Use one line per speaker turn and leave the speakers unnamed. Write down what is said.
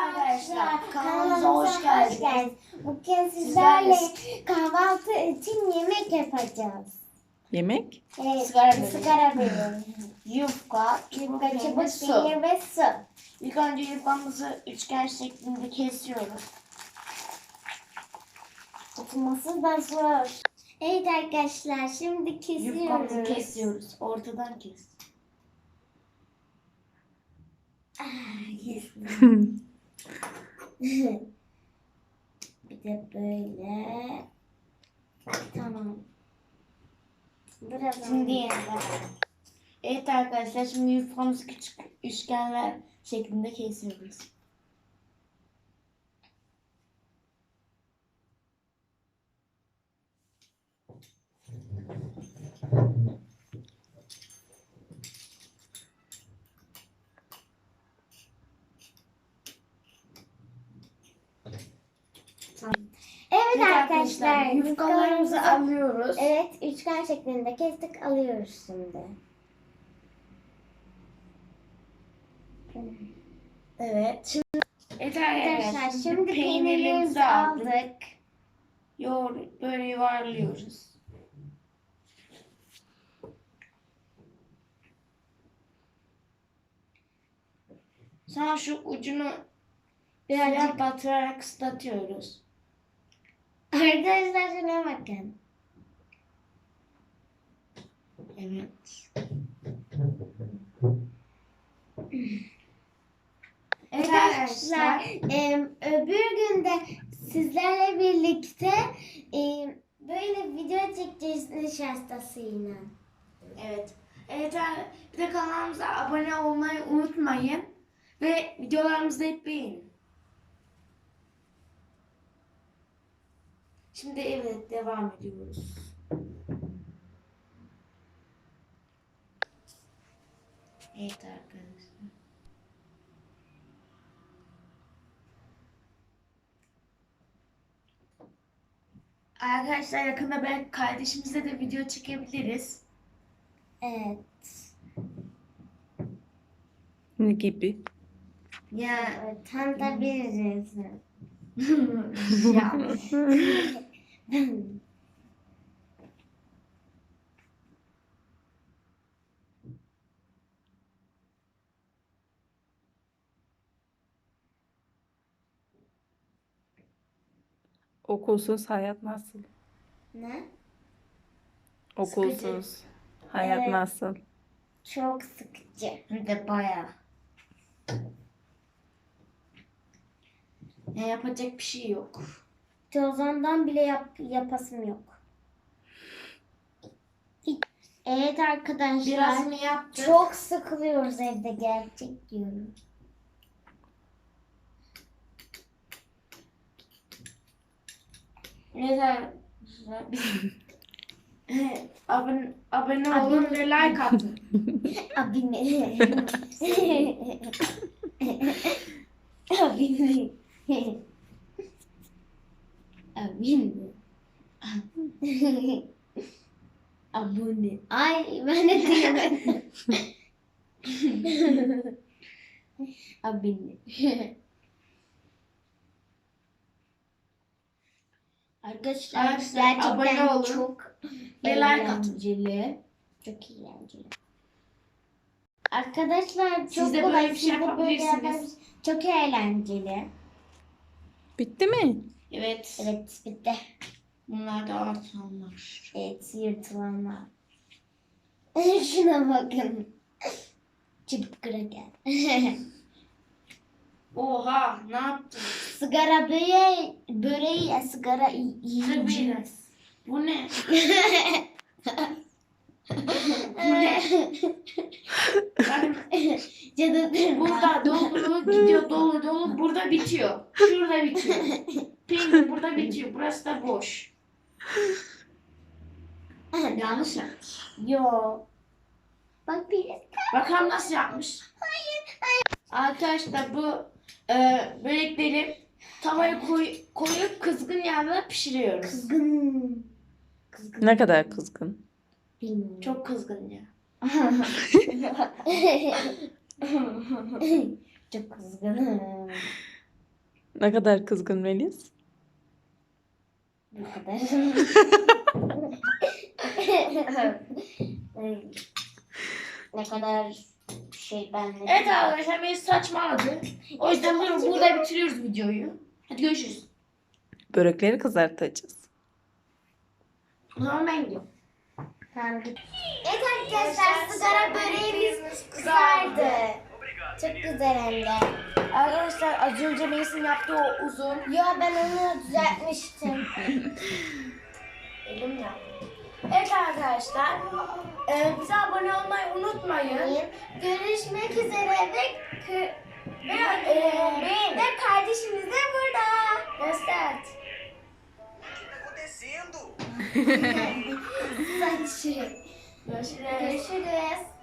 arkadaşlar, kanalımıza hoş geldiniz.
Bugün sizlerle kahvaltı için yemek yapacağız.
Yemek?
Sigara böreği.
Yufka,
Yufka, çubuk
su.
peynir ve su.
İlk önce yufkamızı üçgen şeklinde kesiyoruz.
Tutması da zor. Evet arkadaşlar, şimdi kesiyoruz.
Yufkamızı kesiyoruz. Ortadan kes.
Bir de böyle. Tamam. Biraz
Şimdi yeniden. Evet arkadaşlar, şimdi yufkamızı küçük üçgenler şeklinde kesiyoruz.
Evet arkadaşlar,
yufkalarımızı alıyoruz.
Evet, üçgen şeklinde kestik, alıyoruz şimdi.
Evet. Şimdi, evet
Arkadaşlar, şimdi
peynirlerimizi
peynirlerimizi aldık.
Böyle yuvarlıyoruz. Sonra şu ucunu birazcık batırarak ıslatıyoruz.
Arkadaşlar şuna bakın.
Evet.
Evet arkadaşlar, öbür günde sizlerle birlikte böyle video çekeceğiz nişastasıyla.
Evet. Evet. Bir de kanalımıza abone olmayı unutmayın. Ve videolarımızı hep beğenin. Şimdi evet devam ediyoruz. Evet arkadaşlar. Arkadaşlar yakında belki kardeşimizle de video çekebiliriz.
Evet.
Ne gibi?
Ya
Tam da biliriz.
ya.
Okulsuz hayat nasıl?
Ne?
Okulsuz hayat
Evet.
nasıl?
Çok sıkıcı.
Hem de bayağı. Ya yapacak bir şey yok.
Tozondan bile yapasım yok. Evet arkadaşlar.
Biraz mı yaptık?
Çok sıkılıyoruz evde, gerçek diyorum.
Evet arkadaşlar. Abone olun ve like atın.
Abi ne? Abi ne? Abi ne? Abone. Ay ben de diyemedim. Abi ne? Arkadaşlar
Arkadaşlar, abone
gerçekten
olun
çok
ve like atın.
eğlenceli. Çok eğlenceli. Arkadaşlar çok
Siz de
kolay.
böyle bir şey
Siz de böyle
yapabilirsiniz.
yapabilirsiniz. Çok eğlenceli.
Bitti mi?
Evet.
Evet, bitti.
Bunlar da artanlar.
Evet, yırtılanlar. Şuna bakın. Çubuk kraker.
Oha, ne yaptın?
Sigara böreği sigara yiyeceğiz.
Bu ne? Bu ne? Bak,
Cadı
burada dolu gidiyor, dolu burada bitiyor. Şurada bitiyor. Peynir burada bitiyor. Burası da boş. Yanlış yapmış.
Yo. Bak bir.
Bakalım nasıl yapmış. Arkadaşlar bu börekleri tavaya koyup kızgın yağda pişiriyoruz.
Kızgın.
Ne kadar kızgın?
Bilmiyorum.
Çok kızgın ya.
Çok kızgınım.
Ne kadar kızgın Melis?
Bu kadar. Ne kadar ben ne
Evet arkadaşlar Melis saçmaladı. O yüzden burada bitiriyoruz videoyu. Hadi görüşürüz.
Börekleri kızartacağız.
O zaman ben gidiyorum.
Tamam git. Evet arkadaşlar sigara böreğimiz kızardı. Çok güzel hem de.
Arkadaşlar az önce Melis'in yaptığı o uzun.
Yo ben onu düzeltmiştim.
Elim ya. Evet arkadaşlar. Bize abone olmayı unutmayın.
Görüşmek üzere ve kardeşimiz de burada.
Göster.
Saçı.
Görüşürüz.
Görüşürüz.